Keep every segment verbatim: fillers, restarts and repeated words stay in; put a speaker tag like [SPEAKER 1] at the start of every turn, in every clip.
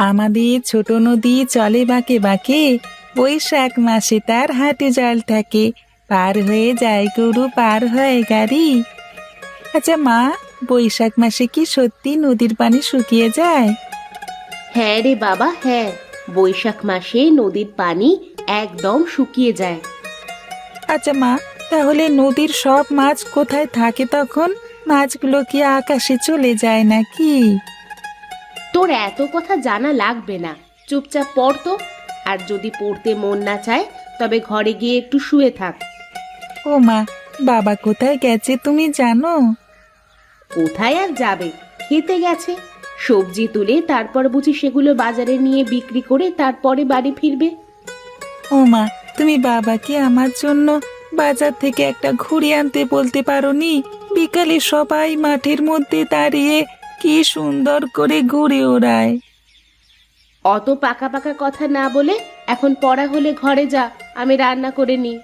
[SPEAKER 1] আমাদের ছোট নদী চলে বাঁকে বাঁকে, বৈশাখ মাসে তার হাটে জল থাকে, পার হয়ে যায় গরু পার হয় গাড়ি। আচ্ছা মা, বৈশাখ মাসে কি সত্যি নদীর পানি শুকিয়ে যায়?
[SPEAKER 2] হ্যাঁ রে বাবা, হ্যাঁ। বৈশাখ মাসে নদীর পানি একদম শুকিয়ে যায়।
[SPEAKER 1] আচ্ছা মা, তাহলে নদীর সব মাছ কোথায় থাকে তখন? মাছগুলো কি আকাশে চলে যায় নাকি?
[SPEAKER 2] তোর এত কথা জানা লাগবে না, চুপচাপ পড় তো। আর যদি পড়তে মন না চায় তবে ঘরে গিয়ে একটু শুয়ে থাক।
[SPEAKER 1] ও মা, বাবা কোথায় গেছে তুমি জানো?
[SPEAKER 2] কোথায় আর যাবে, খেতে গেছে। সবজি তুলে তারপর বুঝি সেগুলো বাজারে নিয়ে বিক্রি করে তারপরে বাড়ি ফিরবে।
[SPEAKER 1] ও মা, তুমি বাবাকে আমার জন্য বাজার থেকে একটা ঘুড়ি আনতে বলতে পারোনি? বিকালে সবাই মাঠের মধ্যে দাঁড়িয়ে কি সুন্দর করে ঘুড়ি ওড়ায়।
[SPEAKER 2] অত পাকা পাকা কথা না বলে এখন পড়া হলে ঘরে যা, আমি রান্না করে নিই।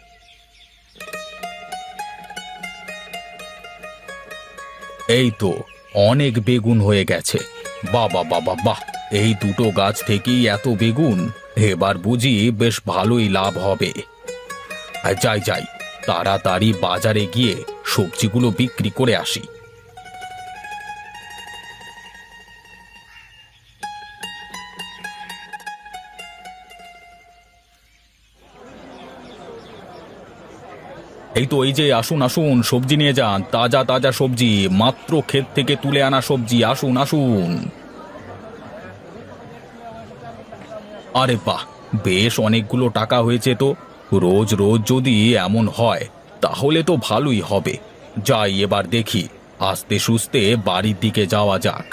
[SPEAKER 3] এই তো অনেক বেগুন হয়ে গেছে। বাবা বাবা বাহ, এই দুটো গাছ থেকেই এত বেগুন, এবার বুঝি বেশ ভালোই লাভ হবে। আর যাই যাই, তাড়াতাড়ি বাজারে গিয়ে সবজিগুলো বিক্রি করে আসি। এই তো, এই যে আসুন আসুন, সবজি নিয়ে যান, তাজা তাজা সবজি, মাত্র ক্ষেত থেকে তুলে আনা সবজি, আসুন আসুন। আরে বাহ, বেশ অনেকগুলো টাকা হয়েছে তো। রোজ রোজ যদি এমন হয় তাহলে তো ভালোই হবে। যাই এবার দেখি, আস্তে সুস্তে বাড়ির দিকে যাওয়া যাক।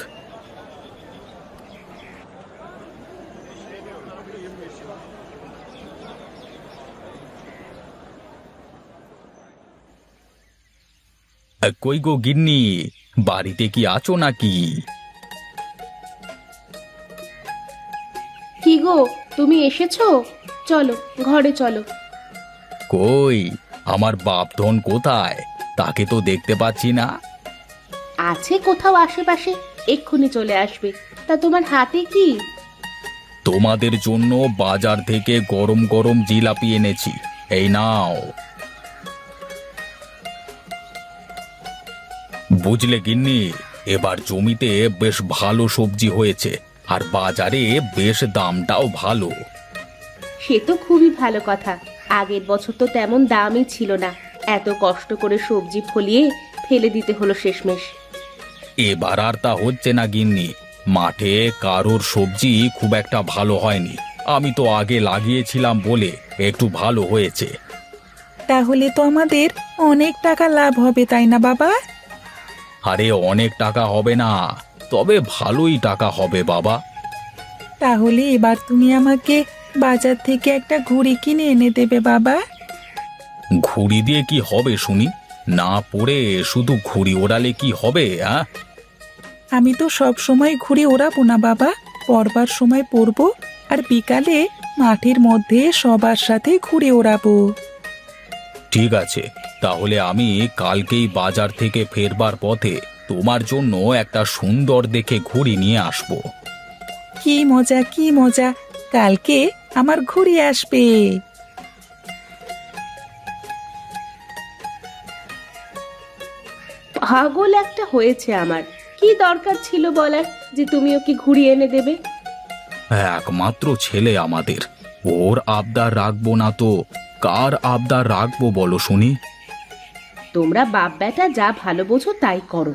[SPEAKER 3] আ, কই গো গিন্নি, বাড়িতে কি আছো নাকি?
[SPEAKER 2] কি গো, তুমি এসেছো? চলো ঘরে চলো।
[SPEAKER 3] কই, আমার বাপধন কোথায়? তাকে তো দেখতে পাচ্ছি না।
[SPEAKER 2] আছে কোথাও আশেপাশে, এক্ষুনি চলে আসবে। তা তোমার হাতে কি?
[SPEAKER 3] তোমাদের জন্য বাজার থেকে গরম গরম জিলাপি এনেছি, এই নাও। বুঝলে গিন্নি, এবার জমিতে বেশ ভালো সবজি হয়েছে, আর বাজারে বেশ দামটাও ভালো।
[SPEAKER 2] সে তো খুবই ভালো কথা। আগের বছর তো তেমন দামই ছিল না, এত কষ্ট করে সবজি ফলিয়ে ফেলে দিতে হলো শেষমেশ।
[SPEAKER 3] এবার আর তা হচ্ছে না গিন্নি, মাঠে কারোর সবজি খুব একটা ভালো হয়নি। আমি তো আগে লাগিয়েছিলাম বলে একটু ভালো হয়েছে।
[SPEAKER 1] তাহলে তো আমাদের অনেক টাকা লাভ হবে, তাই না বাবা?
[SPEAKER 3] আরে অনেক টাকা হবে না, তবে ভালোই টাকা হবে বাবা।
[SPEAKER 1] তাহলে এবার তুমি আমাকে বাজার থেকে একটা ঘুড়ি কিনে এনে দেবে বাবা।
[SPEAKER 3] ঘুড়ি দিয়ে কি হবে শুনি? না পড়ে শুধু ঘুড়ি ওড়ালে কি হবে? হ্যাঁ,
[SPEAKER 1] আমি তো সব সময় ঘুড়ি ওড়াবো না বাবা, পড়বার সময় পড়বো, আর বিকালে মাঠের মধ্যে সবার সাথে ঘুড়ি ওড়াবো।
[SPEAKER 3] ঠিক আছে, তাহলে আমি কালকেই বাজার থেকে ফেরবার পথে তোমার জন্য একটা সুন্দর দেখে ঘুড়ি নিয়ে আসবো।
[SPEAKER 1] কি মজা কি মজা, কালকে আমার ঘুড়ি আসবে।
[SPEAKER 2] পাগল একটা হয়েছে আমার। কি দরকার ছিল বলার যে তুমি ওকে ঘুরিয়ে এনে দেবে?
[SPEAKER 3] একমাত্র ছেলে আমাদের, ওর আবদার রাখবো না তো কার আবদার রাখবো বলো শুনি?
[SPEAKER 2] তোমরা বাপ বেটা যা ভালো বোঝো তাই করো।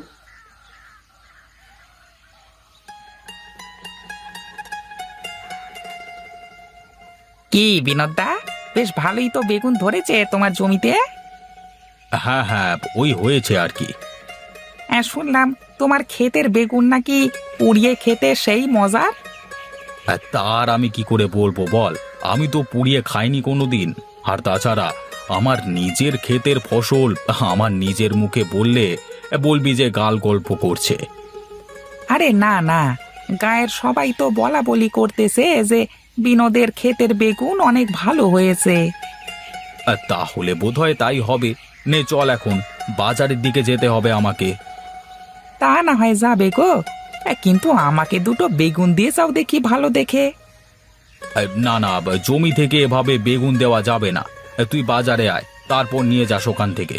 [SPEAKER 4] কি বিনোদদা, বেশ ভালোই তো বেগুন ধরেছে তোমার জমিতে।
[SPEAKER 3] হ্যাঁ হ্যাঁ, ওই হয়েছে আর কি।
[SPEAKER 4] হ্যাঁ, শুনলাম তোমার ক্ষেতের বেগুন নাকি পুড়িয়ে খেতে সেই মজার।
[SPEAKER 3] আর তার আমি কি করে বলবো বল, আমি তো পুড়িয়ে খাইনি কোনোদিন। আর তাছাড়া আমার নিজের ক্ষেতের ফসল আমার নিজের মুখে বললে বলবি যে গাল গল্প করছে।
[SPEAKER 4] আরে না না, গায়ের সবাই তো বলা বলি করতেছে যে বিনোদের ক্ষেতের বেগুন অনেক ভালো হয়েছে।
[SPEAKER 3] আর তাহলে বোধহয় তাই হবে। নে চল, এখন বাজারের দিকে যেতে হবে আমাকে।
[SPEAKER 4] তা না হয় যাবে গো, এ, কিন্তু আমাকে দুটো বেগুন দিয়ে যাও দেখি ভালো দেখে।
[SPEAKER 3] এ, না না, জমি থেকে এভাবে বেগুন দেওয়া যাবে না। এ, তুই বাজারে আয়, তারপর নিয়ে যাস ওখান থেকে।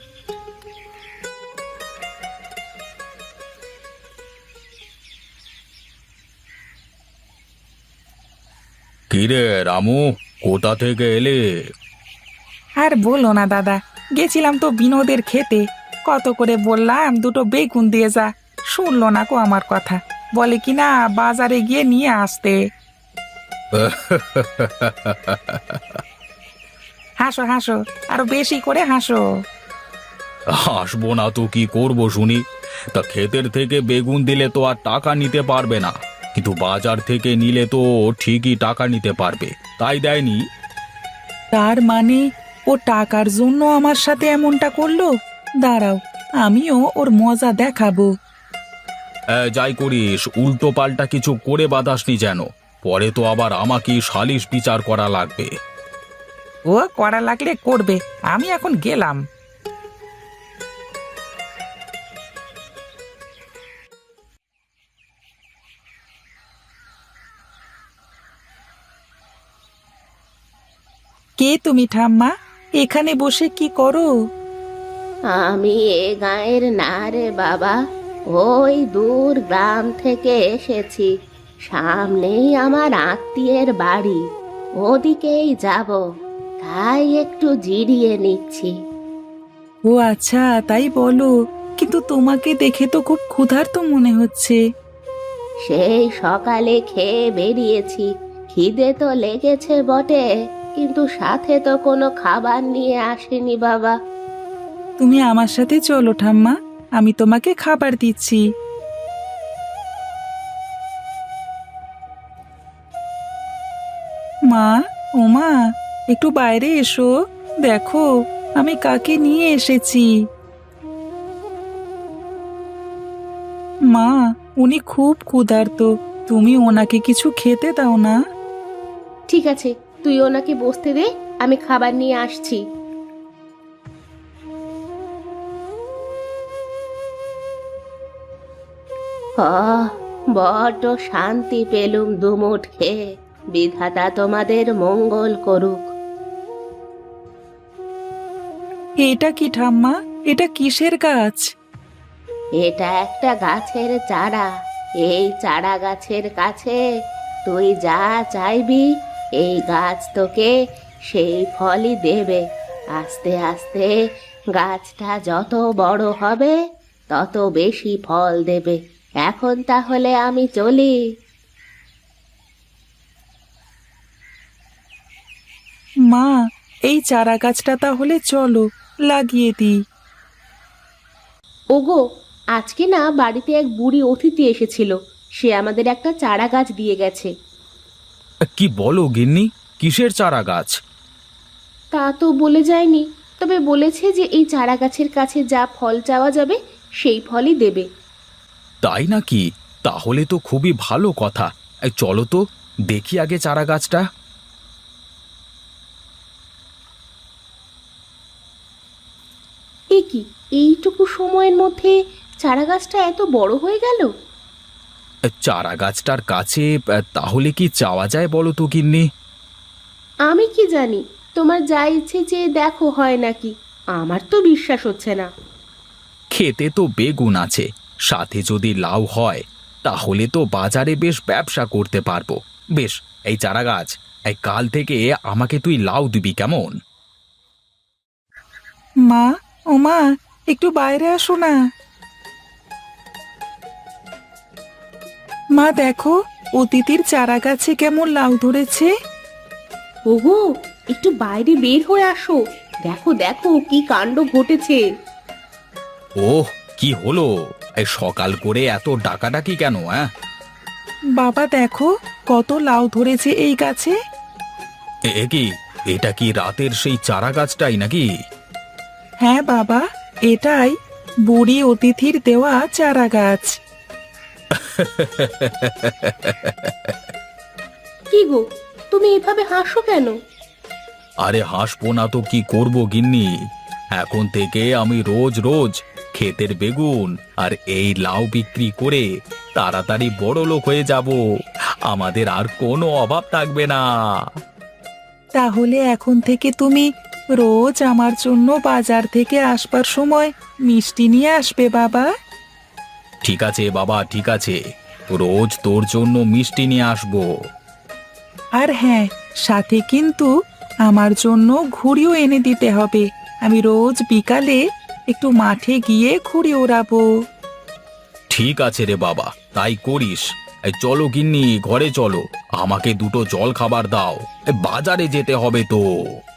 [SPEAKER 3] কিরে রামু, কোথা থেকে এলে?
[SPEAKER 4] আর বলো না দাদা, গেছিলাম তো বিনোদের খেতে, কত করে বললাম দুটো বেগুন দিয়ে যা, শুনলো না কো আমার কথা, বলে কি না বাজারে গিয়ে নিয়ে আসতে। হাসো হাসো, আরো বেশি করে হাসো।
[SPEAKER 3] আসবো না তো কি করব শুনি? তা ক্ষেতের থেকে বেগুন দিলে তো আর টাকা নিতে পারবে না, কিন্তু বাজার থেকে নিলে তো ঠিকই টাকা নিতে পারবে, তাই দেয়নি।
[SPEAKER 1] তার মানে ও টাকার জন্য আমার সাথে এমনটা করলো? দাঁড়াও, আমিও ওর মজা দেখাবো।
[SPEAKER 3] এ, যাই করিস উল্টো পাল্টা কিছু করে বাদাসনি যেন, পরে তো আবার আমাকেই সালিশ বিচার করা লাগবে।
[SPEAKER 4] ও করা লাগলে করবে, আমি এখন গেলাম।
[SPEAKER 1] কে তুমি ঠাম্মা? এখানে বসে কি করো?
[SPEAKER 2] আমি এ গাঁয়ের না রে বাবা, ওই দূর গ্রাম থেকে এসেছি। সামনেই আমার আত্মীয়ের বাড়ি, ওদিকেই যাব, তাই একটু জিরিয়ে নিচ্ছি।
[SPEAKER 1] ও আচ্ছা, তাই বলো। কিন্তু তোমাকে দেখে তো খুব ক্ষুধার্ত মনে হচ্ছে।
[SPEAKER 2] সেই সকালে খেয়ে বেরিয়েছি, খিদে তো লেগেছে বটে, কিন্তু সাথে তো কোনো খাবার নিয়ে আসেনি বাবা।
[SPEAKER 1] তুমি আমার সাথে চলো ঠাম্মা, আমি তোমাকে খাবার দিচ্ছি। মা, ও মা, একটু বাইরে এসো, দেখো আমি কাকে নিয়ে এসেছি। মা, উনি খুব ক্ষুধার্ত, তুমি ওনাকে কিছু খেতে দাও না।
[SPEAKER 2] ঠিক আছে, তুই ওনাকে বসতে দে, আমি খাবার নিয়ে আসছি। আহ, বড্ড শান্তি পেলুম দুমুঠ খেয়ে। বিধাতা তোমাদের মঙ্গল করুক।
[SPEAKER 1] এটা কি ঠাম্মা? এটা কিসের গাছ?
[SPEAKER 2] এটা একটা গাছের চারা। এই চারা গাছের কাছে তুই যা চাইবি, এই গাছ তোকে সেই ফলই দেবে। আস্তে আস্তে গাছটা যত বড় হবে তত বেশি ফল দেবে। এখন তাহলে আমি চলি।
[SPEAKER 1] মা, এই চারা গাছটা তাহলে চলো লাগিয়ে দিই।
[SPEAKER 2] ওগো, আজকে না বাড়িতে এক বুড়ি অতিথি এসেছিল, সে আমাদের একটা চারা গাছ দিয়ে গেছে।
[SPEAKER 3] কি বলো গিন্নি, কিসের চারা গাছ?
[SPEAKER 2] তা তো বলে যায়নি, তবে বলেছে যে এই চারা গাছের কাছে যা ফল চাওয়া যাবে সেই ফলই দেবে।
[SPEAKER 3] তাই নাকি? তাহলে তো খুবই ভালো কথা। এই চলো তো দেখি আগে চারা গাছটা।
[SPEAKER 2] এ কি, এইটুকু সময়ের মধ্যে চারা গাছটা এত বড় হয়ে গেল?
[SPEAKER 3] চারা গাছটার কাছে আহ, তাহলে কি চাওয়া যায় বলো তো গিন্নি?
[SPEAKER 2] আমি কি জানি, তোমার যা ইচ্ছে যে দেখো হয় নাকি, আমার তো বিশ্বাস হচ্ছে না।
[SPEAKER 3] খেতে তো বেগুন আছে, সাথে যদি লাউ হয় তাহলে তো বাজারে বেশ ব্যবসা করতে পারবো। বেশ, এই চারা গাছ, এই কাল থেকে আমাকে তুই লাউ দিবি কেমন?
[SPEAKER 1] মা, ও মা, একটু বাইরে আসো না। মা দেখো, অতিথির চারা গাছে কেমন লাউ ধরেছে।
[SPEAKER 2] ওগো, একটু বাইরে বের হয়ে আসো, দেখো দেখো কি কাণ্ড ঘটেছে।
[SPEAKER 3] ওহ, কি হলো? এই সকাল করে এত ডাকাডাকি কেন? হ্যাঁ,
[SPEAKER 1] বাবা দেখো, কত লাউ ধরেছে এই গাছে।
[SPEAKER 3] এ এ কি, এটা কি রাতের সেই চারা গাছটাই নাকি?
[SPEAKER 1] হ্যাঁ বাবা, এটাই বুড়ি অতিথির দেওয়া চারা গাছ।
[SPEAKER 2] কি গো, তুমি এভাবে হাসো কেন?
[SPEAKER 3] আরে হাসবো না তো কি করব গিন্নি, এখন থেকে আমি রোজ রোজ ক্ষেতের বেগুন আর এই লাউ বিক্রি করে তাড়াতাড়ি বড় লোক হয়ে যাব, আমাদের আর কোনো অভাব থাকবে না।
[SPEAKER 1] তাহলে এখন থেকে তুমি রোজ আমার জন্য বাজার থেকে আসবার সময় মিষ্টি নিয়ে আসবে বাবা।
[SPEAKER 3] ঠিক আছে বাবা, ঠিক আছে, রোজ তোর জন্য মিষ্টি নিয়ে আসবো।
[SPEAKER 1] আর হ্যাঁ, সাথে কিন্তু আমার জন্য ঘুড়িও এনে দিতে হবে। আমি রোজ বিকালে একটু মাঠে গিয়ে ঘুড়ি ওড়াবো।
[SPEAKER 3] ঠিক আছে রে বাবা, তাই করিস। এই চলো গিন্নি, ঘরে চলো, আমাকে দুটো জল খাবার দাও, এ বাজারে যেতে হবে তো।